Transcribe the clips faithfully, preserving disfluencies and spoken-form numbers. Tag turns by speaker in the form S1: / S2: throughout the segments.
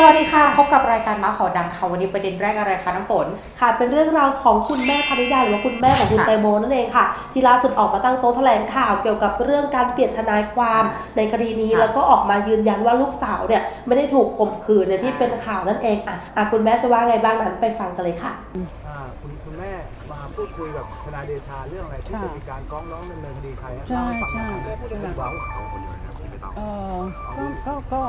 S1: วัสดีค่ะพบกับรายการมาขอดังค่ะวันนี้ประเด็นแรกอะไรคะน้ำฝน
S2: ค่ะเป็นเรื่องราวของคุณแม่พนิดาหรือว่าคุณแม่ของคุณแตงโมนั่นเองค่ะที่ล่าสุดออกมาตั้งโต๊ะแถลงข่าวเกี่ยวกับเรื่องการเปลี่ยนทนายความในคดีนี้แล้วก็ออกมายืนยันว่าลูกสาวเนี่ยไม่ได้ถูกข่มขืนเนี่ยที่เป็นข่าวนั่นเองอ่ะอ่ะคุณแม่จะว่าไงบ้างนั้นไปฟังกันเลยค่ะ
S3: อ่าคุณคุณแม่มาพูดคุยกับทนายเดชาเรื่องอะไรที่จะมีการฟ้องร้องดำเนินคดีใคร
S4: ใช่
S3: เล่าให้ฟังหน่อย
S4: ใช่
S3: พูดถึงว่าเขาคนเดียวนะไม่ต้อง
S4: เออก็ก็ก็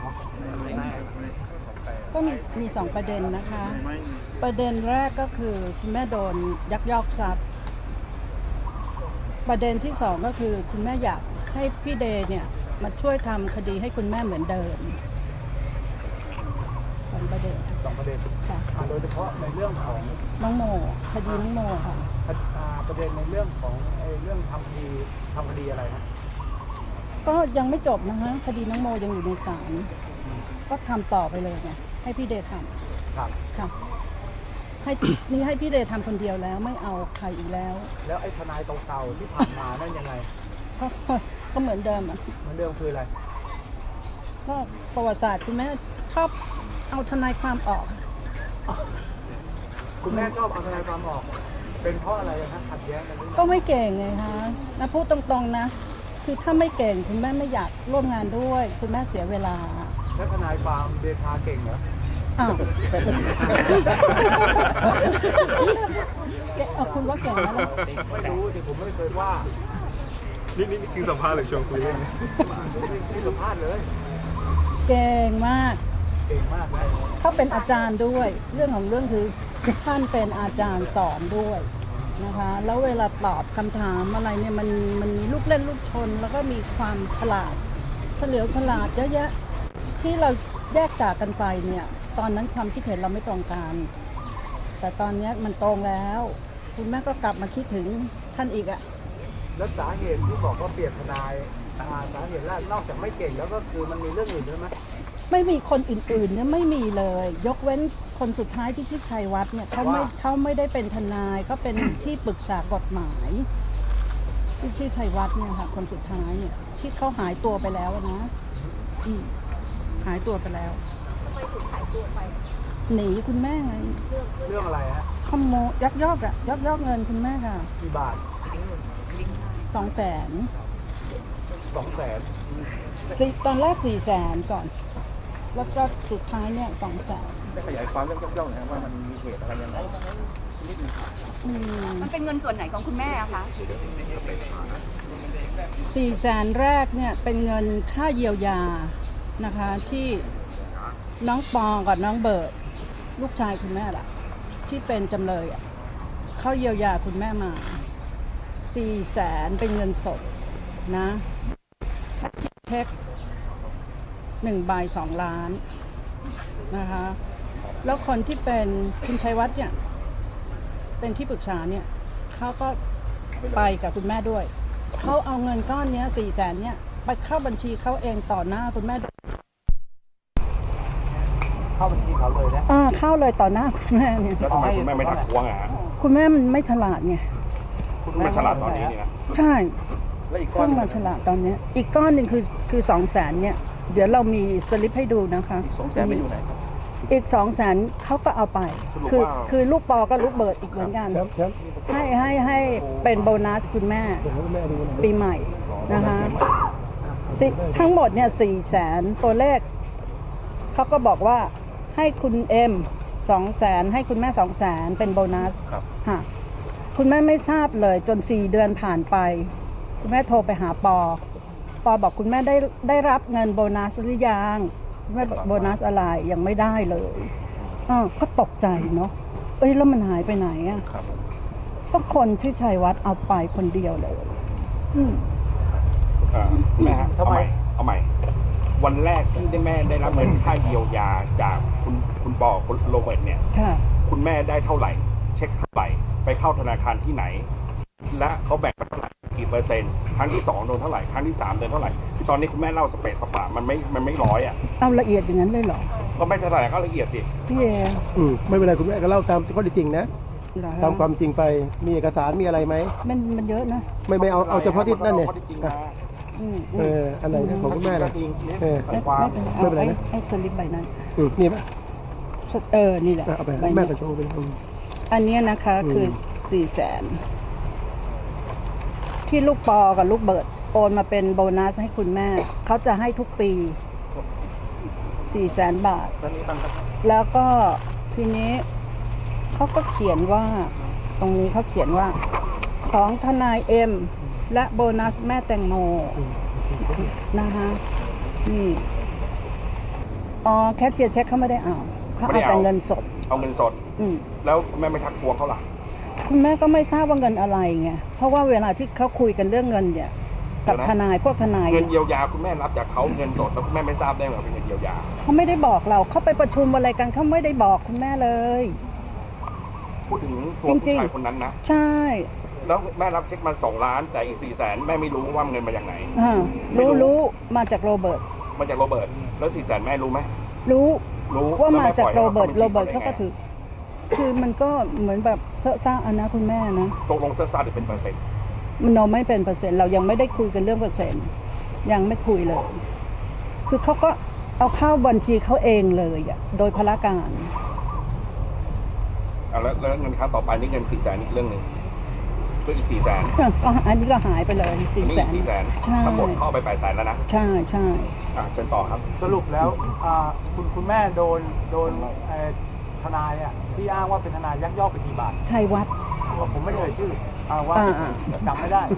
S4: ก็มีมีสองประเด็นนะคะ ประเด็นแรกก็คือคุณแม่โดนยักยอกทรัพย์ประเด็นที่สองก็คือคุณแม่อยากให้พี่เดย์เนี่ยมาช่วยทำคดีให้คุณแม่เหมือนเดิมสองประเด็น
S3: สองประเด็น
S4: ค่ะ
S3: โดยเฉพาะในเรื่องของ
S4: น้องโมคดีน้องโมค่ะ
S3: ประเด็นในเรื่องของไอ้เรื่องทำคดีทำคดีอะไรนะ
S4: ก็ยังไม่จบนะคะคดีน้องโมยังอยู่ในศาลก็ทำต่อไปเลยไงให้พี่เดย์ทำ
S3: ครับ
S4: ค่ะให้นี่ให้พี่เดย์ทำคนเดียวแล้วไม่เอาใครอีกแล้ว
S3: แล้วไอ้ทนายเก่าๆที่ผ่านมานั่นยังไง
S4: ก็ก็เหมือนเดิมอ่ะ
S3: เหมือนเดิมคืออะไร
S4: ก็ประวัติศาสตร์คุณแม่ชอบเอาทนายความออก
S3: คุณแม่ชอบเอาทนายความออกเป็นเพราะอะไรนะขัดแย้งกัน
S4: ก็ไม่เก่งไงคะนะพูดตรงๆนะคือถ้าไม่เก่งคุณแม่ไม่อยากร่วมงานด้วยคุณแม่เสียเวลา
S3: แล้วทนายความเดชาเก่งเหรอ
S4: อ้าวเออคุณว่าเก่งไหมล่ะ
S3: ไม่รู้แต่ผมไม่เคยว่า
S5: นี่นี่คือสัมภาษณ์หรือชวนคุยเล่น
S3: นี่สัมภาษณ์เลย
S4: เก่งมาก
S3: เก่งมากเลย
S4: เขาเป็นอาจารย์ด้วยเรื่องของเรื่องคือท่านเป็นอาจารย์สอนด้วยนะคะแล้วเวลาตอบคำถามอะไรเนี่ยมันมันมีลูกเล่นลูกชนแล้วก็มีความฉลาดเฉลียวฉลาดเยอะแยะที่เราแยกจากกันไปเนี่ยตอนนั้นความคิดเห็นเราไม่ตรงกันแต่ตอนนี้มันตรงแล้วคุณแม่ก็กลับมาคิดถึงท่านอีกอะ
S3: แล้วสาเหตุที่บอกว่าเปลี่ยนทนายสาเหตุแรกนอกจากไม่เก่งแล้วก็คือมันมีเรื่องอื่นด้วยไหม
S4: ไม่มีคนอื่นๆเนี่ยไม่มีเลยยกเว้นคนสุดท้ายที่ชื่อชัยวัฒน์เนี่ยเขาไม่เขาไม่ได้เป็นทนายเขาเป็นที่ปรึกษากฎหมายที่ชื่อชัยวัฒน์เนี่ยค่ะคนสุดท้ายเนี่ยที่เขาหายตัวไปแล้วนะอืมหายตัวไปแล้วทำไมถึงหายตัวไปหนีคุณแม่ไง
S3: เรื่องอะไรฮะ
S4: ขโมยยักยอกอะยักยอกเงินคุณแม่ค่ะ
S3: กี่บาท
S4: สองแสน
S3: สองแสน
S4: สี่ตอนแรกสี่แสนก่อนแล้วก็สุดท้ายเนี่ยสองแสน
S3: ได้ขยายความเรื่องยักยอกนะว่ามันมีเหตุอะไรยังไง
S1: มันเป็นเงินส่วนไหนของคุณแม่คะ
S4: สี่แสนแรกเนี่ยเป็นเงินค่าเยียวยานะคะที่น้องปอกับน้องเบิร์ดลูกชายคุณแม่ล่ะที่เป็นจำเลยอ่ะเขาเยียวยาคุณแม่มาสี่แสนเป็นเงินสดนะเช็คหนึ่งใบสองล้านนะคะแล้วคนที่เป็นคุณชัยวัฒน์เนี่ยเป็นที่ปรึกษาเนี่ยเขาก็ไปกับคุณแม่ด้วยเขาเอาเงินก้อนนี้สี่แสนเนี่ยไปเข้าบัญชีเขาเองต่อหน้าคุณแม่
S3: เข้าบัญชีเขาเลยนะ
S4: อ่าเข้าเลยต่อหน้าคุณแม่เนี่ย
S5: แล้วทำไมคุณแม่ไม่ทักท้วงอ่ะ
S4: คุณแม่มันไม่ฉลาดไง
S5: คุณแม่ฉลาดตอนนี้นี่นะ
S4: ใช่เพิ่งมาฉลาดตอนนี้อีกก้อนหนึ่งคือคือสองแสนเนี่ยเดี๋ยวเรามีสลิปให้ดูนะคะ
S3: สองแสนไม่อยู่ไหนครับ
S4: อีกสองแสนเขาก็เอาไปคือคือลูกปอก็ลูกเบิร์ดอีกเหมือนกันให้ให้ให้เป็นโบนัสคุณแม่ปีใหม่นะคะทั้งหมดเนี่ยสี่แสนตัวเลขเขาก็บอกว่าให้คุณเอ็มสองแสนให้คุณแม่สองแสนเป็นโบนัสค่ะคุณแม่ไม่ทราบเลยจนสี่เดือนผ่านไปคุณแม่โทรไปหาปอปอบอกคุณแม่ได้ได้รับเงินโบนัสหรือยังคุณแม่บอกโบนัสอะไรยังไม่ได้เลยอ้าวก็ตกใจเนาะเอ้ยแล้วมันหายไปไหนอ่ะก็คนที่ชัยวัฒน์เอาไปคนเดียวเลยอืม
S5: อ่าแม่ฮะทำไมเอาใหม่วันแรกที่ได้แม่ได้รับเงินค่าเยียวยาจากคุณคุณปอคุณโรเบิร์ตเนี่ยคุณแม่ได้เท่าไหร่เช็คเท่าไหร่ไปเข้าธนาคารที่ไหนและเขาแบ่งไปเท่าไหร่กี่เปอร์เซ็นต์ครั้งที่สองโดนเท่าไหร่ครั้งที่สามโดนเท่าไหร่ตอนนี้คุณแม่เล่าสเปซสปะมันไม่มันไม่ร้อยอ่ะ
S4: เอาละเอียดอย่างนั้นเลยเหรอ
S5: ก็ไม่เท่าไหร่ก็ละเอียดสิ
S4: พี่เอ
S3: อืมไม่เป็นไรคุณแม่ก็เล่าตามข้อจริงนะตามความจริงไปมีเอกสารมีอะไรไหม
S4: มันมันเยอะนะ
S3: ไม่ไม่เอาเอาเฉพาะที่นั่นเนี่ย
S4: อืม
S6: เอออันไหนของคุณแม่ล่ะเออ
S4: ไม่
S3: ความ
S4: ไม่เป็นไร
S6: ไม่เป็นไร
S4: เอา
S6: นะ
S4: ไอ้ไอ้สลิปใบนั้น
S6: อืมนี่ปะ
S4: เออนี่แหละ
S6: เอาไป
S4: ใบ
S6: แม่
S4: นี้
S6: ไปโชว์ไปอืม
S4: อันเนี้ยนะคะคือ
S6: ม
S4: สี่แสนที่ลูกปอกับลูกเบิร์ดโอนมาเป็นโบนัสให้คุณแม่ เขาจะให้ทุกปีสี่แสนบาท แล้วก็ทีนี้เขาก็เขียนว่า ตรงนี้เขาเขียนว่า ของทนายเอ็มและโบนัสแม่แตงโมนะคะนี่อ๋อแคชเชียร์เช็คเขาไม่ได้เอาเขา
S5: ไม่
S4: เอา
S5: ได้เอา
S4: แต่เงินสด
S5: เอาเงินสด
S4: อืม
S5: แล้วแม่ไม่ทักทวงเขาล่ะ
S4: คุณแม่ก็ไม่ทราบว่าเงินอะไรไง เพราะว่าเวลาที่เขาคุยกันเรื่องเงินเนี่ย กับ
S5: เดี๋ยวนะ
S4: ทนายพวกทนาย
S5: เงิน
S4: เนี่ย
S5: เยียวยาคุณแม่รับจากเขาเงินสดแล้วคุณแม่ไม่ทราบได้ไงว่าเป็นเงินเยียวยา
S4: เขาไม่ได้บอกเราเขาไปประชุมอะไรกันเขาไม่ได้บอกคุณแม่เลย
S5: พูดถึงตัว
S4: จริ
S5: ผู้
S4: งๆ
S5: ชายคนนั้นนะ
S4: ใช่
S5: แล้วแม่รับเช็คมาสองล้านแต่อีกสี่แสนแม่ไม่รู้ว่าเงินมาจากไหน
S4: อ่า
S5: ไม่รู้
S4: รู้รู้มาจากโรเบิร์ต
S5: มาจากโรเบิร์ตแล้วสี่แสนแม่รู้ไหม
S4: รู้
S5: รู้
S4: ว่า
S5: แล้ว
S4: มา
S5: แม่
S4: จาก
S5: ปล่อย
S4: โร
S5: ให้
S4: เบิร์ต
S5: ข้
S4: โร
S5: บัญชี
S4: เบิร์ตเขาก็ถือ คือมันก็เหมือนแบบเซอะซ่าอันนะคุณแม่นะ
S5: ตกลงเสื้อซาหรือเป็นเปอร์เซ็นต์
S4: มันเราไม่เป็นเปอร์เซ็นต์เรายังไม่ได้คุยกันเรื่องเปอร์เซ็นต์ยังไม่คุยเลย คือเขาก็เอาเข้าบัญชีเขาเองเลยอ่ะโดยพละการ
S5: อ่ะแล้วแล้วเงินครั้งต่อไปนี่เงินสี่แสนอีกเรื่องหนึ่งก็อีกสี่แสน
S4: ก็อันนี้ก็หายไปเลย
S5: อั
S4: สี่
S5: นนี้
S4: แส
S5: อีก
S4: น
S5: สี่แสน
S4: ใช่
S5: ทั้งหมดเข้าไปแปดแสนแล้วนะ
S4: ใช่ใช่
S5: อ่ะเชิญต่อครับ
S3: สรุปแล้วอ่าคุณคุณแม่โดนโดนเอ่อทนายอ่ะที่อ้างว่าเป็นทนายยักยอกไปกี่บาท
S4: ชัยวัฒน์
S3: ผมไม่ได้เอ่ยชื่อเอาว่า
S4: อ่าอ่า
S3: จำไม่ได้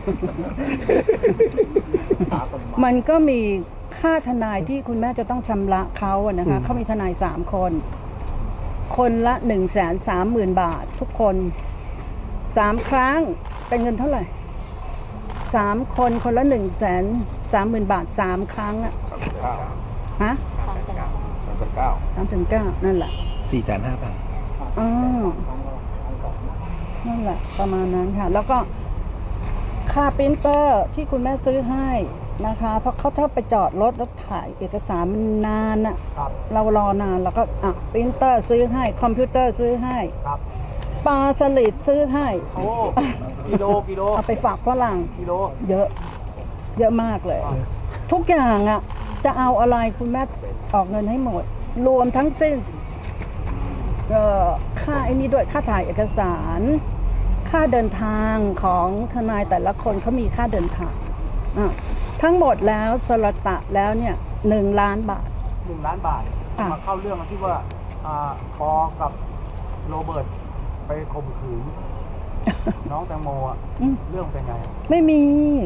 S4: มันก็มีค่าทนายที่คุณแม่จะต้องชำระเขาอะนะคะเขามีทนายสามคน คนละหนึ่งแสนสามหมื่นบาท ทุกคนสามครั้งเป็นเงินเท่าไหร่สามคนคนละหนึ่งแสนสามหมื่นบาทสามครั้งอะ
S5: สามสิบเก้า
S4: ฮะ
S5: สามสิบเก้า
S4: สามถึงเก้านั่นแหละ
S6: สี่แสนห้าพัน
S4: อ๋อนั่นแหละ ประมาณนั้นค่ะ แล้วก็ค่าปรินเตอร์ที่คุณแม่ซื้อให้นะคะ เพราะเขาชอบไปจอดรถแล้วถ่ายเอกสารมันนานอะ
S3: ครับ
S4: เรารอนานแล้วก็อ่ะปรินเตอร์ซื้อให้ คอมพิวเตอร์ซื้อให้
S3: ครับ
S4: ปลาสลิดซื้อให้
S3: โอ้กิโลกิโล
S4: เอาไปฝากฝรั่ง
S3: กิโล
S4: เยอะ เยอะมากเลย ทุกอย่างอ่ะ จะเอาอะไรคุณแม่ออกเงินให้หมด รวมทั้งสิ้นเอ่อค่าไอ้นี้ด้วยค่าถ่ายเอกสาร ค่าเดินทางของทนายแต่ละคนเขามีค่าเดินทางอ่ะทั้งหมดแล้วสลตะแล้วเนี่ยหนึ่งล้านบาท
S3: หนึ่งล้านบาท
S4: ค่ะ
S3: มาเข้าเรื่องที่ว่าอ่าปอกับโรเบิร์ตไปข่มขืน น้องแตงโมอ่ะ
S4: อืม
S3: เรื่องเป็นไง
S4: ไม่มี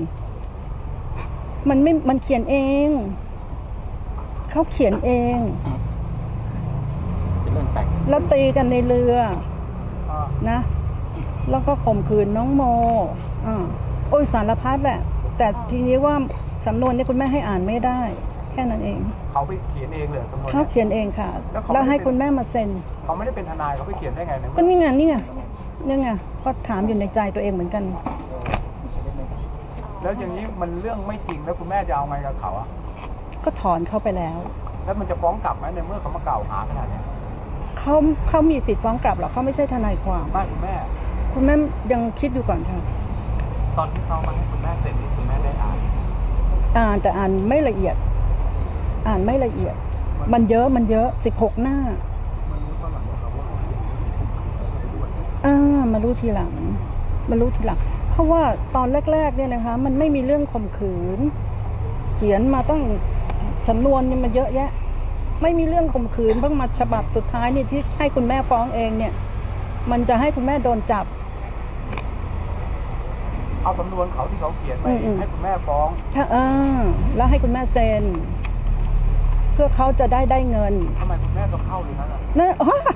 S4: มันไม่ มันเขียนเอง เขาเขียนเอง แล้วตีกันในเรือ
S3: อ่า
S4: นะ แล้วก็ข่มขืนน้องโมอ่าโอ้ยสารพัดแหละ แต่ทีนี้ว่าสำนวนนี้คุณแม่ให้อ่านไม่ได้ แค่นั้นเอง
S3: เขาไปเขียนเองเลยสำนวน
S4: เขา
S3: เนี่ย
S4: เขียนเองค่ะ
S3: แล้วเขาไม่
S4: แล้วให้
S3: เป็น
S4: คุณแม่มาเซ็น
S3: เขาไม่ได้เป็นทนายเขาไปเขียนได้ไงใน
S4: ก็
S3: เมื่อ
S4: นี่ไงนี่ไงนี่ไงก็ถามอยู่ในใจตัวเองเหมือนกัน
S3: แล้วอย่างนี้มันเรื่องไม่จริงแล้วคุณแม่จะเอาไงกับเขาอ่ะ
S4: ก็ถอนเข้าไปแล้ว
S3: แล้วมันจะฟ้องกลับไหมในเมื่อเขามากล่าวหาขนาดเนี้ย
S4: เขาเขามีสิทธิ์ฟ้องกลับหรอกเขาไม่ใช่ทนายความ
S3: ไม่คุณแม่
S4: คุณแม่ยังคิดอยู่ก่อนค่ะ
S3: ตอนที่เขามาให้คุณแม่เซ็นนี่คุณแม่ได้อ่าน
S4: อ่านแต่อ่านไม่ละเอียด อ่านไม่ละเอียด มันเยอะมันเยอะสิบหกหน้า
S3: มันรู้ตอนหลังนะครับว่าเขาเขียน
S4: อ่ามารู้ทีหลังมารู้ทีหลัง เพราะว่าตอนแรกๆเนี่ยนะคะ มันไม่มีเรื่องข่มขืน เขียนมาต้องสำนวนนี่มันเยอะแยะ ไม่มีเรื่องข่มขืนเพิ่งมาฉบับสุดท้ายนี่ที่ให้คุณแม่ฟ้องเองเนี่ย มันจะให้คุณแม่โดนจับ
S3: เอาสำนวนเขาที่เขาเขียนไป
S4: อืมๆ
S3: ให้คุณแม่ฟ้อง
S4: ถ้าอ่าแล้วให้คุณแม่เซ็น เพื่อเขาจะได้ได้เงิน
S3: ทำไมคุณแม่ต้องเข้าเลยนั่นอ่ะ
S4: นั่น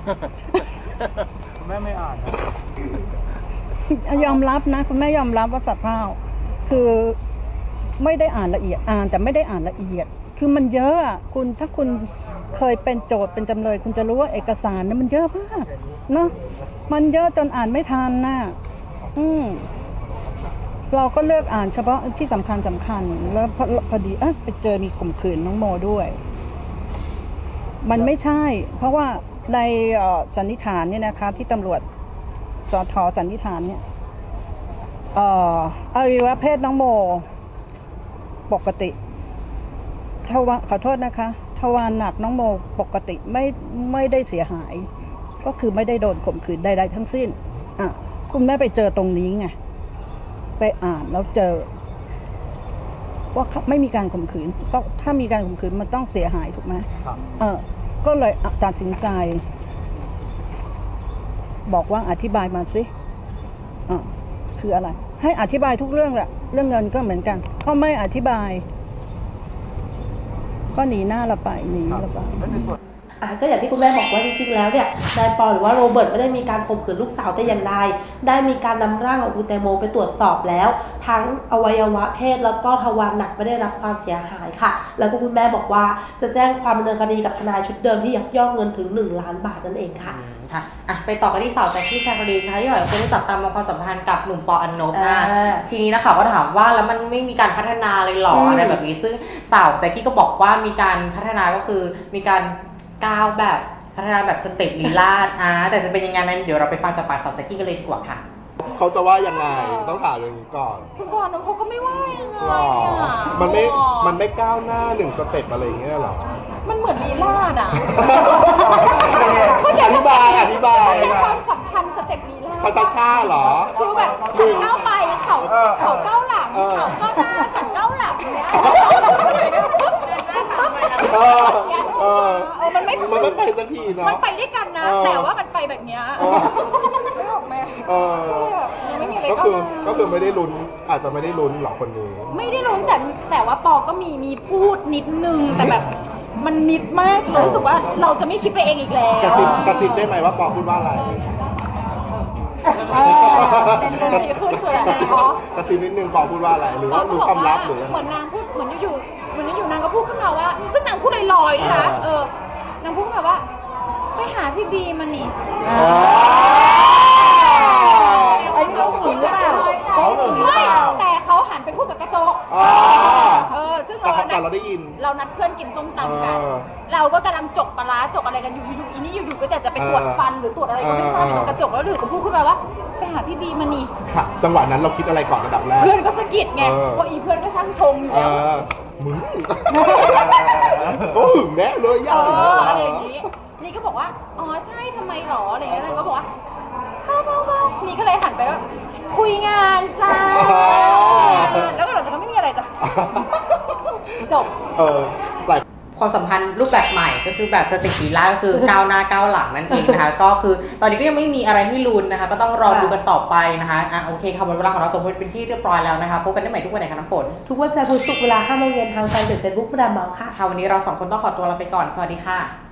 S3: คุณแม่ไม่อ่านนะ
S4: ยอมรับนะคุณแม่ยอมรับว่าสับเพร่าคือไม่ได้อ่านละเอียดอ่านแต่ไม่ได้อ่านละเอียด คือมันเยอะอะคุณถ้าคุณเคยเป็นโจทย์เป็นจำเลย คุณจะรู้ว่าเอกสารเนี่ยมันเยอะมากเนาะมันเยอะจนอ่านไม่ทันน่ะอืมเราก็เลือกอ่านเฉพาะที่สำคัญสำคัญแล้วพอพอดีอ่ะไปเจอมีข่มขืนน้องโมด้วย มันไม่ใช่ เพราะว่าในเอ่อสันนิษฐานเนี่ยนะคะที่ตำรวจสทสันนิษฐานเนี่ยเอ่ออวัยวะเพศน้องโมปกติทวารขอโทษนะคะทวารหนักน้องโมปกติไม่ไม่ได้เสียหาย ก็คือไม่ได้โดนข่มขืนใดๆทั้งสิ้นอ่ะคุณแม่ไปเจอตรงนี้ไงไปอ่านแล้วเจอว่าไม่มีการข่มขืนก็ถ้ามีการข่มขืนมันต้องเสียหายถูกไหม
S3: ครับ
S4: เออก็เลยตัดสินใจ บอกว่าอธิบายมาสิอ่ะคืออะไร ให้อธิบายทุกเรื่องแหละเรื่องเงินก็เหมือนกันก็ไม่อธิบาย ก็หนีหน้าเราไปหนีเราไป
S2: อ่ะก็อย่างที่คุณแม่บอกว่าจริงๆแล้วเนี่ยนายปอหรือว่าโรเบิร์ตไม่ได้มีการข่มขืนลูกสาวแต่อย่างใดได้มีการนำร่างของคุณแตงโมไปตรวจสอบแล้ว ทั้งอวัยวะเพศแล้วก็ทวารหนักไม่ได้รับความเสียหายค่ะ แล้วก็คุณแม่บอกว่าจะแจ้งความดำเนินคดีกับทนายชุดเดิมที่ยักยอกเงินถึงหนึ่งล้านบาทนั่นเองค่ะ
S1: อืมค่ะอ่ะ ไปต่อกันที่สาวแจ็คกี้ชาคลีนนะคะที่หลายคนได้จับตามองความสัมพันธ์กับหนุ่มปออันนบ
S2: อ่า
S1: อ่ะทีนี้นะคะก็ถามว่าแล้วมันไม่มีการพัฒนาเลยหรอ
S2: อืม
S1: อะไรแบบนี้ซึ่งสาวแจ็คกี้ก็บอกว่ามีการพัฒนาก็คือมีการก้าวแบบพัฒนาแบบสเต็ปลีลาดอ่ะแต่จะเป็นยังไงนั้นเดี๋ยวเราไปฟังจากปากสาวแจ็คกี้กันเลยดีกว่าค่ะ
S7: เขาจะว่ายังไงต้องถามอย่างนี้ก่อน
S8: คุณพ่อน้องเขาก็ไม่ว่ายังไง
S7: หรอ
S8: อ่ะ
S7: มันไม่มันไม่ก้าวหน้าหนึ่งสเต็ปอะไรอย่างเงี้ยหรอ
S8: มันเหมือนลีลาดอ่ะ
S7: อธิบายอธิบาย
S8: เข้าใจความสัมพันธ์สเต็ปลีลาด
S7: ชาชาชาหรอ
S8: คือแบบฉันก้าวไปเขาเขาก้าวหลัง
S7: เออ
S8: เขาก้าวหน้าฉันก้าวหลังเนี่ย
S7: เออเออ
S8: เออมันไม่
S7: มันไม่ไปสักทีเนาะ
S8: มันไปด้วยกันนะ
S7: เออ
S8: แต่ว่ามันไปแบบเนี้ย
S7: เออ
S8: ไม่ออกไหม
S7: เออ
S8: ก็เลยแบบยังไม่มีอะไร
S7: ก็
S8: ก้าว
S7: คือ
S8: หน้า
S7: ก็คือไม่ได้ลุ้นอาจจะไม่ได้ลุ้นหรอกคนนี้
S8: ไม่ได้รู้แต่แต่ว่าปอก็มีมีพูดนิดนึงแต่แบบมันนิดมากเลยรู้สึกว่าเราจะไม่คิดไปเองอีกแล้ว
S7: กระซิบกระซิบได้ไหมว่าปอพูดว่าอะไร
S8: เออเป็นเรื่องดีขึ้นคืออะไรอ๋อก
S7: ระซิบนิดนึงปอพูดว่าอะไร หรือ
S8: ปอ
S7: ว่า
S8: ก็
S7: รู้
S8: บอก
S7: ความลั
S8: ว่า
S7: บหรือยัง
S8: เห
S7: ไง
S8: มือนนางพูดเหมือนอยู่ๆเหมือนอยู่ๆนางก็พูดขึ้นมาว่า ซึ่งนางพูดลอยๆด้วยนะ
S7: อ่า
S8: เออนางพูดขึ้นมาว่า ไปหาพี่บีมันนี่
S7: อ๋อ
S4: ไอ้นี่เขาหึงหรือเปล่า
S3: เขาหึงหรือ
S8: ไม่
S3: เปล่า
S8: แต่เขาหันไปพูดกับกระจก
S7: อ๋อ
S8: เออซึ่ง
S7: แต่
S8: เรา
S7: เขาแต่เราได้ยิน
S8: เรานัดเพื่อนกินส้มตำกัน
S7: เออ
S8: เราก็กำลังจกปลาร้าจกอะไรกันอยู่อยู่ๆอีนี่อยู่ๆก็จะจะไปตรวจ
S7: เออ
S8: ฟันหรือตรวจอะไรก็ไม่ทราบอยู่ตรงกระจกแล้วอยู่ก็พูดขึ้นมาว่า ไปหาพี่บีมันนี่
S7: ค่ะ จังหวะนั้นเราคิดอะไรก่อนระดับแรก
S8: เพื่อนก็สะกิดไง
S7: เออ
S8: เพราะอีเพื่อนก็ช่างชงอยู่
S7: เอ
S8: แล้ว
S7: อมึงก็หึงแน่เลย
S8: เอ
S7: ย่า
S8: ออะไรอย่างนี้ นี่ก็บอกว่า อ๋อใช่ทำไมหรออะไรอย่างเงี้ยนางก็บอกว่าเบาๆๆนี่ก็เลยหันไปว่าคุยงานจ้า แล้วก็หลังจากนั้นไม่มีอะไรจ้ะ จบ
S7: เออหลาย
S1: ความสัมพันธ์รูปแบบใหม่ก็คือแบบสเต็ปลีลาดก็คือ ก้าวหน้าก้าวหลังนั่นเองนะคะ ก็คือตอนนี้ก็ยังไม่มีอะไรให้ลุ้นนะคะ ก็ต้องรอดูกันต่อไปนะคะอ่ะโอเคค่ะหมดเวลาของเราสองคนเป็นที่เรียบร้อยแล้วนะคะพบกันได้ใหม่ทุกวันไหนคะน้ำฝน
S2: ทุกวันจันทร์ถึงศุกร์เวลาห้าโมงเย็นทางแฟนเพจเฟซบุ๊กประดามเมาส์ค่ะ
S1: ค่ะวันนี้เราสองคนต้องขอตัวลาไปก่อนสวัสดีค่ะ